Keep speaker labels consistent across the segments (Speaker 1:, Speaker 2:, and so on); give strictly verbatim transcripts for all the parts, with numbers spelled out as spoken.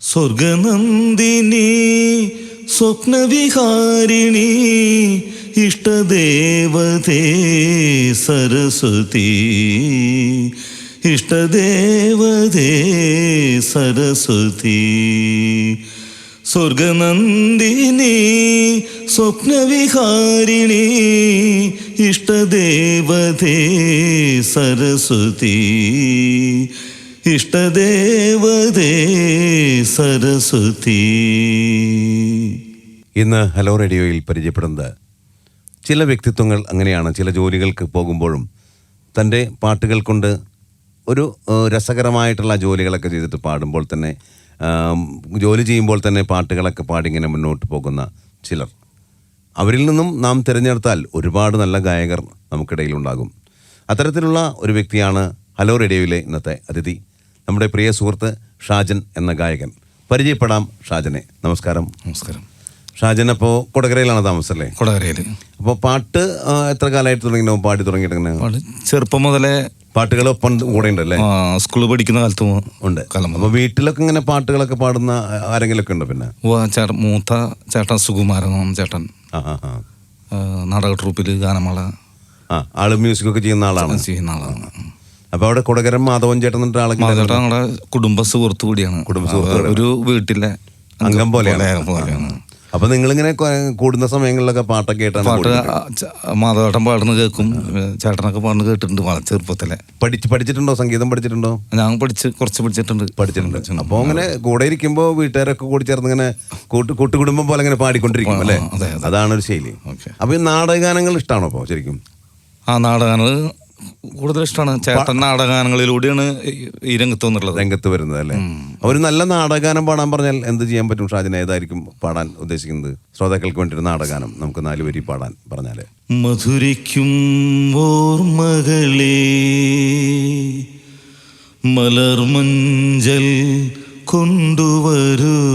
Speaker 1: സ്വർഗനന്ദിനി സ്വപ്നവിഹാരിണി ഇഷ്ടദേവതേ സരസ്വതി ഇഷ്ടദേവതേ സരസ്വതി സ്വർഗനന്ദിനി സ്വപ്നവിഹാരിണി ഇഷ്ടദേവതേ സരസ്വതി ഇഷ്ടദേവതേ സരസ്വതി.
Speaker 2: ഇന്ന് ഹലോ റേഡിയോയിൽ പരിചയപ്പെടുന്നത് ചില വ്യക്തിത്വങ്ങൾ അങ്ങനെയാണ്. ചില ജോലികൾക്ക് പോകുമ്പോഴും തൻ്റെ പാട്ടുകൾ കൊണ്ട് ഒരു രസകരമായിട്ടുള്ള ജോലികളൊക്കെ ചെയ്തിട്ട് പാടുമ്പോൾ തന്നെ ജോലി ചെയ്യുമ്പോൾ തന്നെ പാട്ടുകളൊക്കെ പാടിങ്ങനെ മുന്നോട്ട് പോകുന്ന ചിലർ. അവരിൽ നിന്നും നാം തിരഞ്ഞെടുത്താൽ ഒരുപാട് നല്ല ഗായകർ നമുക്കിടയിലുണ്ടാകും. അത്തരത്തിലുള്ള ഒരു വ്യക്തിയാണ് ഹലോ റേഡിയോയിലെ ഇന്നത്തെ അതിഥി, നമ്മുടെ പ്രിയ സുഹൃത്ത് ഷാജൻ എന്ന ഗായകൻ. പരിചയപ്പെടാം ഷാജനെ. നമസ്കാരം.
Speaker 1: നമസ്കാരം.
Speaker 2: ഷാജൻ അപ്പോൾ കൊടകരയിലാണ് താമസം അല്ലേ?
Speaker 1: കൊടകരയിൽ.
Speaker 2: അപ്പോൾ പാട്ട് എത്ര കാലമായിട്ട് തുടങ്ങിയോ? പാടി തുടങ്ങിയിട്ട്
Speaker 1: ചെറുപ്പം മുതലേ
Speaker 2: പാട്ടുകൾ ഒപ്പം കൂടെ ഉണ്ടല്ലേ?
Speaker 1: സ്കൂളിൽ പഠിക്കുന്ന കാലത്തും ഉണ്ട്.
Speaker 2: അപ്പോൾ വീട്ടിലൊക്കെ ഇങ്ങനെ പാട്ടുകളൊക്കെ പാടുന്ന ആരെങ്കിലും ഒക്കെ ഉണ്ടോ? പിന്നെ
Speaker 1: മൂത്ത ചേട്ടൻ സുകുമാരൻ ചേട്ടൻ നാടക ട്രൂപ്പിൽ ഗാനമേള
Speaker 2: ആ ആള് മ്യൂസിക് ഒക്കെ ചെയ്യുന്ന ആളാണ്
Speaker 1: ചെയ്യുന്ന ആളാണ്
Speaker 2: അപ്പൊ അവിടെ കൊടകരം മാധവൻ ചേട്ടൻ
Speaker 1: ചേട്ടൻ നമ്മുടെ കുടുംബ സുഹൃത്തു കൂടിയാണ്. കുടുംബ സുഹൃത്ത് ഒരു വീട്ടിലെ
Speaker 2: അംഗം പോലെയാണ്. അപ്പൊ നിങ്ങളിങ്ങനെ കൂടുന്ന സമയങ്ങളിലൊക്കെ പാട്ടൊക്കെ കേട്ടാണ്?
Speaker 1: പാട്ട് മാധവേട്ടൻ പാടുന്ന കേൾക്കും, ചേട്ടനൊക്കെ പാടുന്ന കേട്ടിട്ടുണ്ട് ചെറുപ്പത്തിലെ.
Speaker 2: പഠിച്ച് പഠിച്ചിട്ടുണ്ടോ? സംഗീതം പഠിച്ചിട്ടുണ്ടോ?
Speaker 1: ഞാൻ പഠിച്ച് കുറച്ച് പഠിച്ചിട്ടുണ്ട്
Speaker 2: പഠിച്ചിട്ടുണ്ട് അപ്പോൾ അങ്ങനെ കൂടെ ഇരിക്കുമ്പോൾ വീട്ടുകാരൊക്കെ കൂടി ചേർന്ന് ഇങ്ങനെ കൂട്ട് കൂട്ടുകുടുംബം പോലെ ഇങ്ങനെ പാടിക്കൊണ്ടിരിക്കും അല്ലേ? അതാണ് ഒരു ശൈലി. അപ്പൊ ഈ നാടകഗാനങ്ങൾ ഇഷ്ടമാണോ അപ്പോൾ ശരിക്കും?
Speaker 1: ആ നാടകഗാനങ്ങൾ കൂടുതൽ ഇഷ്ടമാണ്. ചേട്ടൻ നാടകഗാനങ്ങളിലൂടെയാണ് ഈ രംഗത്ത് വന്നിട്ടുള്ളത്
Speaker 2: രംഗത്ത് വരുന്നത് അല്ലേ? ഒരു നല്ല നാടകഗാനം പാടാൻ പറഞ്ഞാൽ എന്ത് ചെയ്യാൻ പറ്റും ഷാജന? ഏതായിരിക്കും പാടാൻ ഉദ്ദേശിക്കുന്നത്? ശ്രോതാക്കൾക്ക് വേണ്ടി ഒരു നാടകഗാനം നമുക്ക് നാല് വരി പാടാൻ പറഞ്ഞാല്.
Speaker 1: മധുരിക്കും ഓർമ്മകളേ മലർമഞ്ചൽ കൊണ്ടുവരൂ,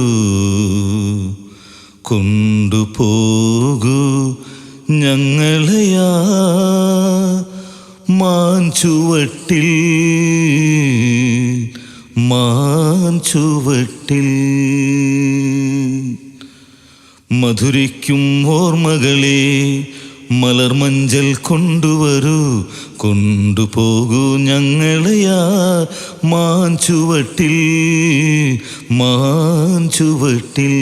Speaker 1: കൊണ്ടുപോകൂ ഞങ്ങളെയാ മാഞ്ചുവട്ടിൽ മാഞ്ചുവട്ടിൽ. മധുരിക്കും ഓർമ്മകളെ മലർമഞ്ചൽ കൊണ്ടുവരൂ, കൊണ്ടുപോകൂ ഞങ്ങളെയാ മാഞ്ചുവട്ടിൽ മാഞ്ചുവട്ടിൽ.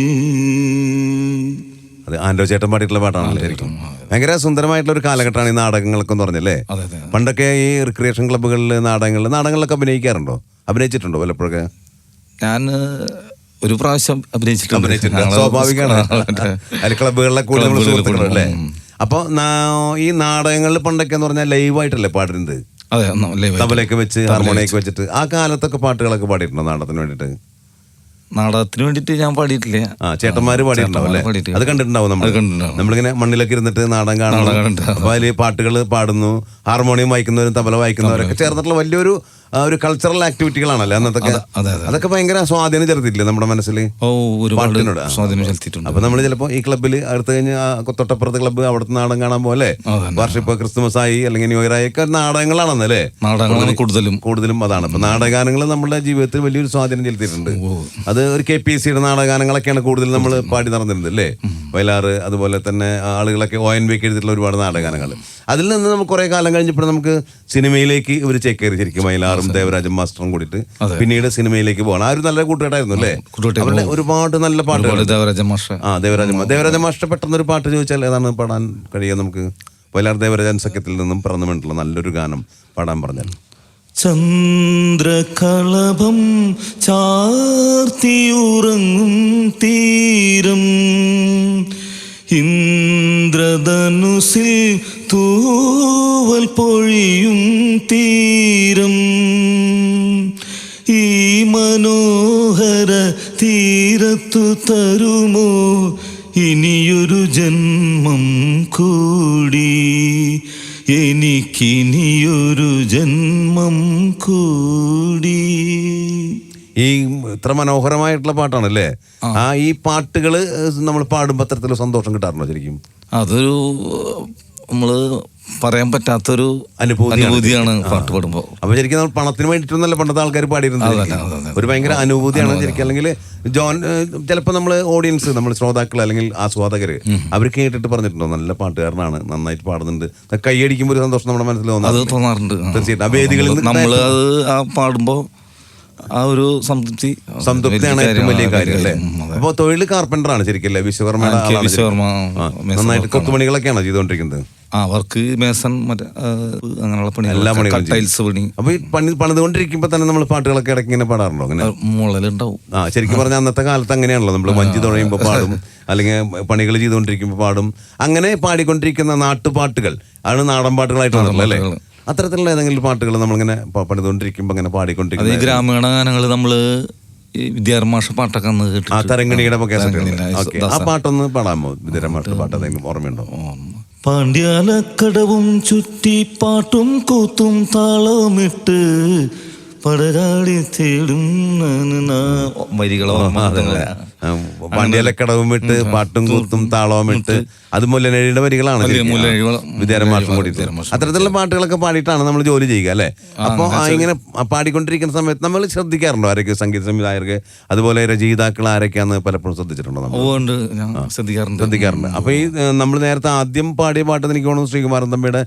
Speaker 2: അത് ആൻഡോ ചേട്ടൻ പാടിയിട്ടുള്ള പാട്ടാണല്ലോ ശരിക്കും. ഭയങ്കര സുന്ദരമായിട്ടുള്ള ഒരു കാലഘട്ടമാണ് ഈ നാടകങ്ങളൊക്കെ എന്ന് പറഞ്ഞല്ലേ? പണ്ടൊക്കെ ഈ റിക്രിയേഷൻ ക്ലബ്ബുകളിൽ നാടകങ്ങളിൽ നാടകങ്ങളിലൊക്കെ അഭിനയിക്കാറുണ്ടോ? അഭിനയിച്ചിട്ടുണ്ടോ വല്ലപ്പോഴൊക്കെ?
Speaker 1: ഞാൻ ഒരു പ്രാവശ്യം അഭിനയിച്ചിട്ടുണ്ട്.
Speaker 2: സ്വാഭാവികമാണ്, അതിൽ ക്ലബ്ബുകളിലെ കൂടുതൽ അല്ലേ? അപ്പോൾ ഈ നാടകങ്ങളിൽ പണ്ടൊക്കെ എന്ന് പറഞ്ഞാൽ ലൈവായിട്ടല്ലേ പാടുന്നത്? തബലയൊക്കെ വെച്ച് ഹാർമോണിയൊക്കെ വെച്ചിട്ട്. ആ കാലത്തൊക്കെ പാട്ടുകളൊക്കെ പാടിയിട്ടുണ്ടോ നാടകത്തിന് വേണ്ടിയിട്ട്?
Speaker 1: നാടകത്തിന് വേണ്ടിട്ട് ഞാൻ പാടിയിട്ടില്ല.
Speaker 2: ആ ചേട്ടന്മാര് പാടിയിട്ടുണ്ടാവും അല്ലേ? അത് കണ്ടിട്ടുണ്ടാവും നമ്മൾ. നമ്മളിങ്ങനെ മണ്ണിലൊക്കെ ഇരുന്നിട്ട് നാടകം കാണുന്നുണ്ട്. അപ്പൊ അതില് പാട്ടുകൾ പാടുന്നു, ഹാർമോണിയം വായിക്കുന്നവരും തബല വായിക്കുന്നവരൊക്കെ ചേർന്നിട്ടുള്ള വലിയൊരു ഒരു കൾച്ചറൽ ആക്ടിവിറ്റികളാണല്ലേ അന്നത്തൊക്കെ? അതൊക്കെ ഭയങ്കര സ്വാധീനം ചെലുത്തിയില്ലേ നമ്മുടെ മനസ്സിൽ പാട്ടിനോട്? അപ്പൊ നമ്മൾ ചിലപ്പോ ഈ ക്ലബ്ബിൽ അടുത്ത് കഴിഞ്ഞ് തൊട്ടപ്പുറത്തെ ക്ലബ്ബ് അവിടുത്തെ നാടകം കാണാൻ പോലെ വർഷം ക്രിസ്മസ് ആയി അല്ലെങ്കിൽ ന്യൂ ഇയർ ആയി ഒക്കെ നാടകങ്ങളാണെന്നല്ലേ? കൂടുതലും കൂടുതലും അതാണ്. അപ്പൊ നാടകഗാനങ്ങൾ നമ്മുടെ ജീവിതത്തിൽ വലിയൊരു സ്വാധീനം ചെലുത്തിയിട്ടുണ്ട്. അത് ഒരു കെ പി എസ് സിയുടെ നാടകഗാനങ്ങളൊക്കെയാണ് കൂടുതൽ നമ്മൾ പാടി നടന്നിരുന്നത് അല്ലേ? വയലാറ് അതുപോലെ തന്നെ ആളുകളൊക്കെ ഒ എൻ വി ഒക്കെ എഴുതിയിട്ടുള്ള ഒരുപാട് നാടകഗാനങ്ങൾ. അതിൽ നിന്ന് നമുക്ക് കുറെ കാലം കഴിഞ്ഞപ്പോൾ നമുക്ക് സിനിമയിലേക്ക് ഇവർ ചേക്കേറി ശരിക്കും. വയലാറും ദേവരാജൻ മാസ്റ്ററും കൂടിയിട്ട് പിന്നീട് സിനിമയിലേക്ക് പോകണം. ആ ഒരു നല്ല കൂട്ടുകെട്ടായിരുന്നു അല്ലേ? അവരുടെ ഒരുപാട് നല്ല പാട്ടുകൾ. ആ ദേവരാജൻ ദേവരാജൻ മാസ്റ്റർ പെട്ടെന്നൊരു പാട്ട് ചോദിച്ചാൽ ഏതാണ് പാടാൻ കഴിയുക നമുക്ക്? വയലാർ ദേവരാജൻ സഖ്യത്തിൽ നിന്നും പിറന്നു വേണ്ടിയിട്ടുള്ള നല്ലൊരു ഗാനം പാടാൻ പറഞ്ഞാൽ.
Speaker 1: ചന്ദ്രകളഭം ചാർത്തിയുറങ്ങും തീരം, ഇന്ദ്രധനുസിൽ തൂവൽ പൊഴിയും തീരം, ഈ മനോഹര തീരത്തു തരുമോ ഇനിയൊരു ജന്മം കൂടി, എനിക്കിനിയൊരു ജന്മം കൂടി.
Speaker 2: ഈ ഇത്ര മനോഹരമായിട്ടുള്ള പാട്ടാണല്ലേ? ആ ഈ പാട്ടുകൾ നമ്മൾ പാടുമ്പോൾ അത്തരത്തിലുള്ള സന്തോഷം കിട്ടാറുണ്ടോ ശരിക്കും?
Speaker 1: അതൊരു നമ്മള് പറയാൻ പറ്റാത്തൊരു
Speaker 2: അനുഭൂതി
Speaker 1: അനുഭൂതിയാണ് പാട്ട് പാടുമ്പോൾ.
Speaker 2: അപ്പൊ ശരിക്കും നമ്മൾ പണത്തിന് വേണ്ടിയിട്ടൊന്നല്ല പണ്ടത്തെ ആൾക്കാർ പാടിയിരുന്നത്. ഒരു ഭയങ്കര അനുഭൂതിയാണ് ശരിക്കും. അല്ലെങ്കിൽ ജോൺ ചിലപ്പോൾ നമ്മൾ ഓഡിയൻസ്, നമ്മൾ ശ്രോതാക്കൾ അല്ലെങ്കിൽ ആസ്വാദകർ അവർ കേട്ടിട്ട് പറഞ്ഞിട്ടുണ്ടോ നല്ല പാട്ടുകാരനാണ്, നന്നായിട്ട് പാടുന്നുണ്ട്, കൈയടിക്കുമ്പോൾ ഒരു സന്തോഷം നമ്മുടെ മനസ്സിൽ
Speaker 1: അത് തോന്നാറുണ്ട്.
Speaker 2: തീർച്ചയായിട്ടും ആ വേദികളിൽ
Speaker 1: നമ്മൾ അത് ആ പാടുമ്പോൾ ആ ഒരു സംതൃപ്തി
Speaker 2: സംതൃപ്തിയാണ് ഏറ്റവും വലിയ കാര്യം അല്ലേ. അപ്പൊ തൊഴിൽ കാർപ്പൻ്റർ ആണ് ശരിക്കും അല്ലേ? വിശ്വകർമ്മയുടെ നന്നായിട്ട് കൊത്തുപണികളൊക്കെയാണ് ചെയ്തുകൊണ്ടിരിക്കുന്നത്.
Speaker 1: ആ വർക്ക് മേസൺ മറ്റേ അങ്ങനെയുള്ള പണി, എല്ലാ പണികളും, ടൈൽസ് പണി.
Speaker 2: അപ്പൊ ഈ പണി പണിതുകൊണ്ടിരിക്കുമ്പോ തന്നെ നമ്മൾ പാട്ടുകളൊക്കെ ഇടയ്ക്ക് ഇങ്ങനെ പാടാറുണ്ടോ? അങ്ങനെ
Speaker 1: മുളലുണ്ടാവും.
Speaker 2: ആ ശരിക്കും പറഞ്ഞാൽ അന്നത്തെ കാലത്ത് അങ്ങനെയാണല്ലോ, നമ്മൾ വഞ്ചി തുഴയുമ്പോൾ പാടും, അല്ലെങ്കിൽ പണികൾ ചെയ്തുകൊണ്ടിരിക്കുമ്പോൾ പാടും. അങ്ങനെ പാടിക്കൊണ്ടിരിക്കുന്ന നാട്ടുപാട്ടുകൾ ആണ് നാടൻ പാട്ടുകളായിട്ടുള്ളത് അല്ലേ? അത്തരത്തിലുള്ള ഏതെങ്കിലും പാട്ടുകൾ നമ്മളിങ്ങനെ പണിതുകൊണ്ടിരിക്കുമ്പോൾ അങ്ങനെ പാടിക്കൊണ്ടിരിക്കുന്നത്?
Speaker 1: ഈ ഗ്രാമീണ ഗാനങ്ങൾ നമ്മള് വിദ്യാരമാഷ പാട്ടൊക്കെ
Speaker 2: ആ തരംഗിണിയുടെ ആ പാട്ടൊന്ന് പാടാമോ? വിദ്യാരമാഷ പാട്ട് എന്തെങ്കിലും ഓർമ്മയുണ്ടോ?
Speaker 1: പാണ്ഡ്യാലക്കടവും ചുറ്റി പാട്ടും കൂത്തും താളമിട്ട് പടരാളി തേടും വരികളോ
Speaker 2: പാണ്ഡ്യാലക്കടവും ഇട്ട് പാട്ടും കൂത്തും താളവും ഇട്ട്, അത് മുല്ലനഴിയുടെ വരികളാണ് വിദ്യാരമാഷം കൂടി. അത്തരത്തിലുള്ള പാട്ടുകളൊക്കെ പാടിയിട്ടാണ് നമ്മൾ ജോലി ചെയ്യുക അല്ലെ? അപ്പൊ ഇങ്ങനെ പാടിക്കൊണ്ടിരിക്കുന്ന സമയത്ത് നമ്മൾ ശ്രദ്ധിക്കാറുണ്ടോ ആരൊക്കെ സംഗീത സംവിധായകർക്ക് അതുപോലെ രചയിതാക്കൾ ആരൊക്കെയാന്ന് പലപ്പോഴും ശ്രദ്ധിച്ചിട്ടുണ്ടോ? നമ്മൾ ശ്രദ്ധിക്കാറുണ്ട്. അപ്പൊ ഈ നമ്മൾ നേരത്തെ ആദ്യം പാടിയ പാട്ട് എനിക്ക് തോന്നുന്നു ശ്രീകുമാരൻ തമ്പിയുടെ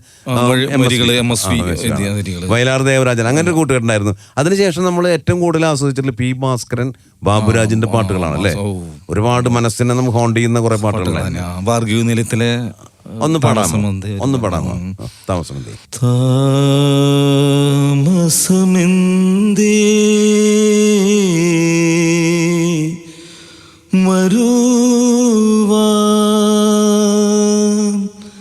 Speaker 2: വയലാർ ദേവരാജൻ, അങ്ങനെ ഒരു കൂട്ടുകെട്ടുണ്ടായിരുന്നു. അതിനുശേഷം നമ്മൾ ഏറ്റവും കൂടുതൽ ആസ്വദിച്ചിട്ടുള്ള പി ഭാസ്കരൻ, ബാബുരാജിന്റെ പാട്ടുകളാണ് അല്ലേ? ഒരുപാട് മനസ്സിനെ നമുക്ക് ഹോണ്ട് ചെയ്യുന്ന കുറെ പാട്ടുകളാണ്.
Speaker 1: ഭാർഗവി നിലയത്തിലെ
Speaker 2: ഒന്ന് പാടാമോ? ഒന്ന് പാടാമോ? താമസമെന്തേ
Speaker 1: താമസമെന്തേ വരുവാൻ,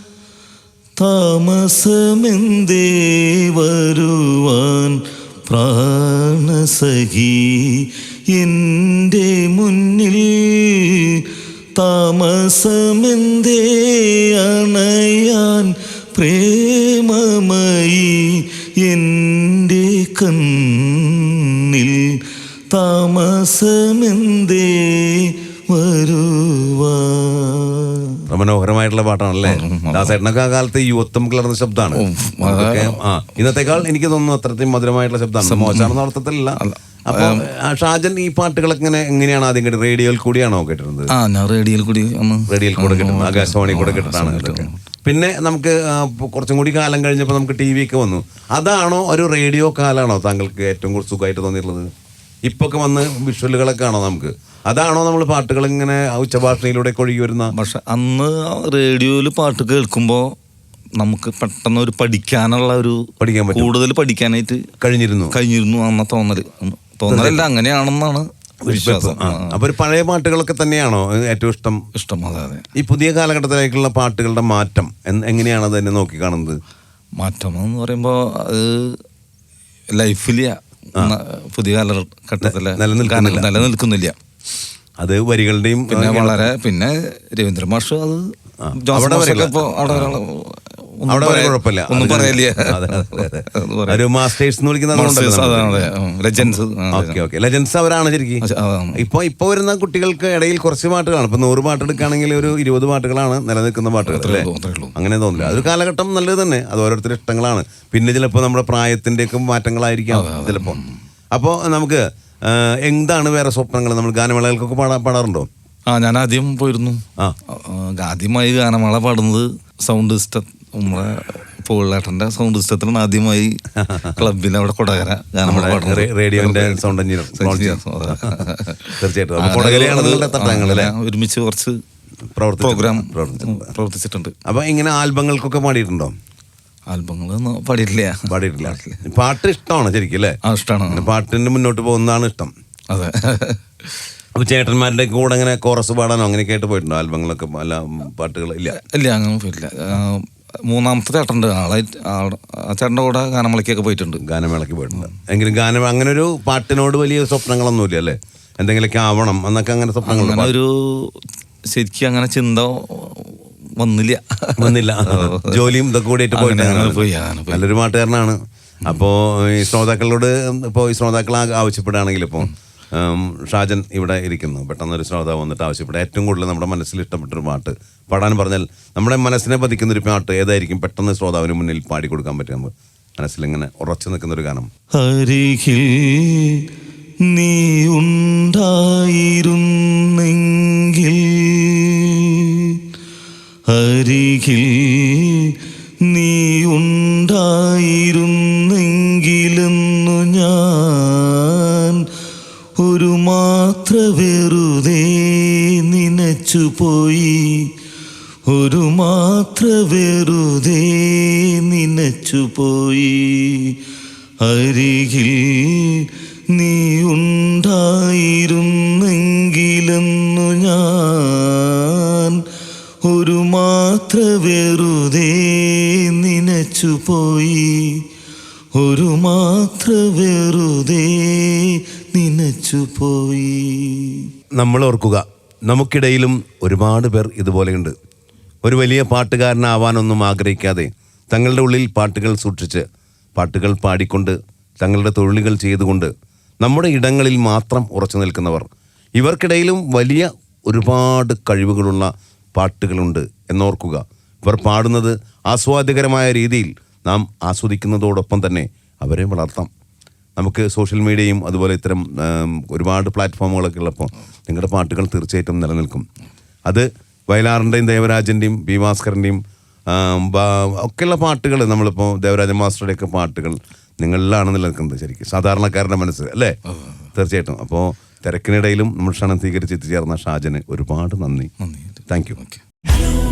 Speaker 1: താമസമെന്തേ വരുവാൻ പ്രാണസഖി എൻ്റെ മുന്നിൽ, താമസമെന്തേ അണയാൻ പ്രേമമയി എൻ്റെ കണ്ണിൽ, താമസമെന്തേ വരുവാൻ.
Speaker 2: മനോഹരമായിട്ടുള്ള പാട്ടാണല്ലേ? ദാസേട്ടനൊക്കെ ആ കാലത്ത് യുവത്വം കലർന്ന ശബ്ദമാണ്. ആ ഇന്നത്തെക്കാൾ എനിക്ക് തോന്നുന്നു അത്രയും മധുരമായിട്ടുള്ള ശബ്ദമാണ്. മോശമാണെന്ന അർത്ഥത്തിലല്ല. അപ്പൊ ഷാജൻ ഈ പാട്ടുകളൊക്കെ ഇങ്ങനെ എങ്ങനെയാണ് ആദ്യം കേട്ടത്? റേഡിയോയിൽ കൂടിയാണോ കേട്ടിരുന്നത്?
Speaker 1: റേഡിയോയിൽ കൂടി
Speaker 2: റേഡിയോയിൽ കൂടെ കേട്ടിട്ടുണ്ട്, ആകാശവാണി കൂടെ കേട്ടിട്ടാണ് ഇതൊക്കെ. പിന്നെ നമുക്ക് കുറച്ചും കൂടി കാലം കഴിഞ്ഞപ്പോൾ നമുക്ക് ടി വി ഒക്കെ വന്നു. അതാണോ ഒരു റേഡിയോ കാലാണോ താങ്കൾക്ക് ഏറ്റവും കൂടുതൽ സുഖമായിട്ട് തോന്നിയിട്ടുള്ളത്? ഇപ്പൊ ഒക്കെ വന്ന് വിഷ്വലുകളൊക്കെ ആണോ നമുക്ക്? അതാണോ നമ്മൾ പാട്ടുകൾ ഇങ്ങനെ ഉച്ചഭാഷണിയിലൂടെ ഒഴുകി വരുന്ന?
Speaker 1: പക്ഷെ അന്ന് റേഡിയോയിൽ പാട്ട് കേൾക്കുമ്പോൾ നമുക്ക് പെട്ടെന്ന് ഒരു പഠിക്കാനുള്ള ഒരു
Speaker 2: പഠിക്കാൻ പറ്റും,
Speaker 1: കൂടുതൽ പഠിക്കാനായിട്ട് കഴിഞ്ഞിരുന്നു കഴിഞ്ഞിരുന്നു അന്ന തോന്നല് തോന്നലല്ല അങ്ങനെയാണെന്നാണ് വിശ്വാസം.
Speaker 2: അപ്പൊ ഒരു പഴയ പാട്ടുകളൊക്കെ തന്നെയാണോ ഏറ്റവും ഇഷ്ടം?
Speaker 1: ഇഷ്ടം അതെ അതെ.
Speaker 2: ഈ പുതിയ കാലഘട്ടത്തിലേക്കുള്ള പാട്ടുകളുടെ മാറ്റം എങ്ങനെയാണ് അത് തന്നെ നോക്കി കാണുന്നത്?
Speaker 1: മാറ്റം എന്ന് പറയുമ്പോൾ അത് ലൈഫിൽ പുതിയ കാലഘട്ടത്തില് നിലനിൽക്കുന്നില്ല.
Speaker 2: അത് വരികളുടെയും
Speaker 1: പിന്നെ വളരെ പിന്നെ രവീന്ദ്ര മാഷ് അത്
Speaker 2: അവിടെ കുഴപ്പമില്ല,
Speaker 1: ഒന്നും പറയില്ല.
Speaker 2: ഒരു മാസ്റ്റേഴ്സ് എന്ന് വിളിക്കുന്നത് ലെജൻസ് അവരാണ് ശരിക്കും. ഇപ്പൊ ഇപ്പൊ വരുന്ന കുട്ടികൾക്ക് ഇടയിൽ കുറച്ച് പാട്ടുകളാണ്. ഇപ്പൊ നൂറ് പാട്ട് എടുക്കുകയാണെങ്കിൽ ഒരു ഇരുപത് പാട്ടുകളാണ് നിലനിൽക്കുന്ന പാട്ടുകൾ അല്ലേ? അങ്ങനെ തോന്നില്ല. അതൊരു കാലഘട്ടം നല്ലത് തന്നെ, അത് ഓരോരുത്തരുടെ ഇഷ്ടങ്ങളാണ്. പിന്നെ ചിലപ്പോൾ നമ്മുടെ പ്രായത്തിന്റെ ഒക്കെ മാറ്റങ്ങളായിരിക്കാം ചിലപ്പോൾ. അപ്പോൾ നമുക്ക് എന്താണ് വേറെ സ്വപ്നങ്ങൾ? നമ്മൾ ഗാനമേളകൾക്കൊക്കെ പാടാ പാടാറുണ്ടോ?
Speaker 1: ആ ഞാൻ ആദ്യം പോയിരുന്നു. ആദ്യമായി ഗാനമേള പാടുന്നത് സൗണ്ട് സിസ്റ്റം, നമ്മുടെ പോളേട്ടന്റെ സൗണ്ട് സിസ്റ്റത്തിലാണ് ആദ്യമായി ക്ലബിൽ അവിടെ കൊടകര ഗാനമേള പാടുന്നത്.
Speaker 2: റേഡിയോന്റെ സൗണ്ട് എഞ്ചിനീയർ തീർച്ചയായിട്ടും
Speaker 1: ഒരുമിച്ച് കുറച്ച് പ്രോഗ്രാം പ്രവർത്തിച്ചിട്ടുണ്ട്.
Speaker 2: അപ്പൊ ഇങ്ങനെ ആൽബങ്ങൾക്കൊക്കെ പാടിയിട്ടുണ്ടോ?
Speaker 1: ആൽബങ്ങളൊന്നും പാടിയിട്ടില്ല
Speaker 2: പാടിയിട്ടില്ല പാട്ട് ഇഷ്ടമാണ് ശരിക്കും അല്ലേ?
Speaker 1: ആ ഇഷ്ടമാണ്.
Speaker 2: പാട്ടിന് മുന്നോട്ട് പോകുന്നതാണ് ഇഷ്ടം.
Speaker 1: അതെ.
Speaker 2: അപ്പൊ ചേട്ടന്മാരുടെ കൂടെ അങ്ങനെ കോറസ് പാടാനോ അങ്ങനെയൊക്കെ ആയിട്ട് പോയിട്ടുണ്ടോ? ആൽബങ്ങളൊക്കെ അല്ല പാട്ടുകൾ ഇല്ല
Speaker 1: ഇല്ല അങ്ങനെ പോയിട്ടില്ല. മൂന്നാമത്തെ ചേട്ടൻ്റെ ആളായിട്ട് ആ ചേട്ടൻ്റെ കൂടെ ഗാനമേളയ്ക്കൊക്കെ പോയിട്ടുണ്ട്.
Speaker 2: ഗാനമേളയ്ക്ക് പോയിട്ടുണ്ട്. എങ്കിലും ഗാനം അങ്ങനെ ഒരു പാട്ടിനോട് വലിയ സ്വപ്നങ്ങളൊന്നുമില്ല അല്ലേ? എന്തെങ്കിലുമൊക്കെ ആവണം എന്നൊക്കെ അങ്ങനെ സ്വപ്നങ്ങൾ?
Speaker 1: അങ്ങനെ ഒരു ശരിക്കും അങ്ങനെ ചിന്ത വന്നില്ല
Speaker 2: വന്നില്ല ജോലിയും ഇതൊക്കെ കൂടിയിട്ട് പോയിട്ട് നല്ലൊരു പാട്ടുകാരനാണ്. അപ്പോൾ ഈ ശ്രോതാക്കളോട് ഇപ്പോൾ ഈ ശ്രോതാക്കൾ ആവശ്യപ്പെടുകയാണെങ്കിൽ ഇപ്പോൾ ഷാജൻ ഇവിടെ ഇരിക്കുന്നു. പെട്ടെന്നൊരു ശ്രോതാവ് വന്നിട്ട് ആവശ്യപ്പെട്ട ഏറ്റവും കൂടുതൽ നമ്മുടെ മനസ്സിൽ ഇഷ്ടപ്പെട്ടൊരു പാട്ട് പാടാൻ പറഞ്ഞാൽ നമ്മുടെ മനസ്സിനെ പതിക്കുന്നൊരു പാട്ട് ഏതായിരിക്കും പെട്ടെന്ന് ശ്രോതാവിന് മുന്നിൽ പാടിക്കൊടുക്കാൻ പറ്റുക? നമുക്ക് മനസ്സിലിങ്ങനെ ഉറച്ചു നിൽക്കുന്നൊരു ഗാനം.
Speaker 1: അരികിൽ നീ ഉണ്ടായിരുന്നെങ്കിൽ, അരികിൽ നീ ഉണ്ടായിരുന്നെങ്കിലെന്നു ഞാൻ ഒരു മാത്ര വെറുതെ നനച്ചുപോയി, ഒരു മാത്ര വെറുതെ നനച്ചുപോയി. അരികിൽ നീ ഉണ്ടായിരുന്നെങ്കിലെന്നു ഞാൻ ഒരു മാത്ര വെറുതെ നനച്ചുപോയി, ഒരു മാത്ര വെറുതെ നനച്ചുപോയി.
Speaker 2: നമ്മൾ ഓർക്കുക, നമുക്കിടയിലും ഒരുപാട് പേർ ഇതുപോലെയുണ്ട്. ഒരു വലിയ പാട്ടുകാരനാവാനൊന്നും ആഗ്രഹിക്കാതെ തങ്ങളുടെ ഉള്ളിൽ പാട്ടുകൾ സൂക്ഷിച്ച് പാട്ടുകൾ പാടിക്കൊണ്ട് തങ്ങളുടെ തൊഴിലുകൾ ചെയ്തുകൊണ്ട് നമ്മുടെ ഇടങ്ങളിൽ മാത്രം ഉറച്ചു നിൽക്കുന്നവർ. ഇവർക്കിടയിലും വലിയ ഒരുപാട് കഴിവുകളുള്ള പാട്ടുകളുണ്ട് എന്നോർക്കുക. ഇവർ പാടുന്നത് ആസ്വാദ്യകരമായ രീതിയിൽ നാം ആസ്വദിക്കുന്നതോടൊപ്പം തന്നെ അവരെ വളർത്താം. നമുക്ക് സോഷ്യൽ മീഡിയയും അതുപോലെ ഇത്തരം ഒരുപാട് പ്ലാറ്റ്ഫോമുകളൊക്കെ ഉള്ളപ്പോൾ നിങ്ങളുടെ പാട്ടുകൾ തീർച്ചയായിട്ടും നിലനിൽക്കും. അത് വയലാറിൻ്റെയും ദേവരാജൻ്റെയും ബി ഭാസ്കറിൻ്റെയും ഒക്കെയുള്ള പാട്ടുകൾ, നമ്മളിപ്പോൾ ദേവരാജൻ മാസ്റ്ററുടെയൊക്കെ പാട്ടുകൾ നിങ്ങളിലാണ് നിലനിൽക്കുന്നത്. ശരിക്കും സാധാരണക്കാരൻ്റെ മനസ്സ് അല്ലേ? തീർച്ചയായിട്ടും. അപ്പോൾ തിരക്കിനിടയിലും നമ്മൾ ക്ഷണം സ്വീകരിച്ച് എത്തിച്ചേർന്ന ഷാജന് ഒരുപാട് നന്ദി. Thank U.